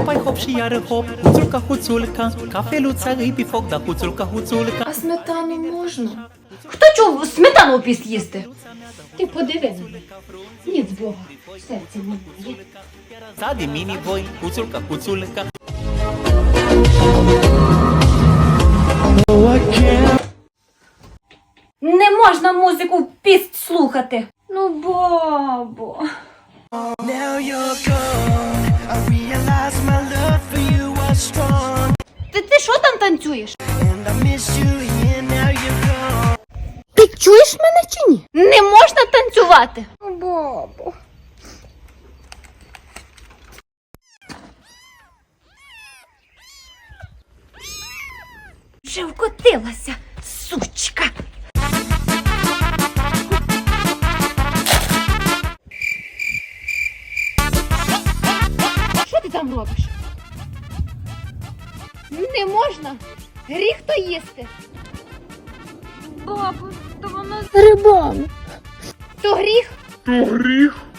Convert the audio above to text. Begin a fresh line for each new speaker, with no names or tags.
Hopai hop și iară hop, huțulca, huțulca, cafeluța îi pe foc, da huțulca, huțulca.
А smetanu можна?
Хто чув сметану опіст їсти?
Ти подиви на мене. Ніц Бога, серця немає.
Ța de mini voi, huțulca, huțulca.
Не можна музику в піст слухати.
Ну, бабо.
Now you're gone. I realize my love for you was strong,
Ти що там танцюєш?
and I miss you here. Now you're gone.
Ти чуєш мене чи ні? Не можна танцювати. Бабо. Вже вкотилася, сучка. Що ти там робиш? Не можна. Гріх то їсти. Бабу, то воно з грибами. То гріх?
То гріх.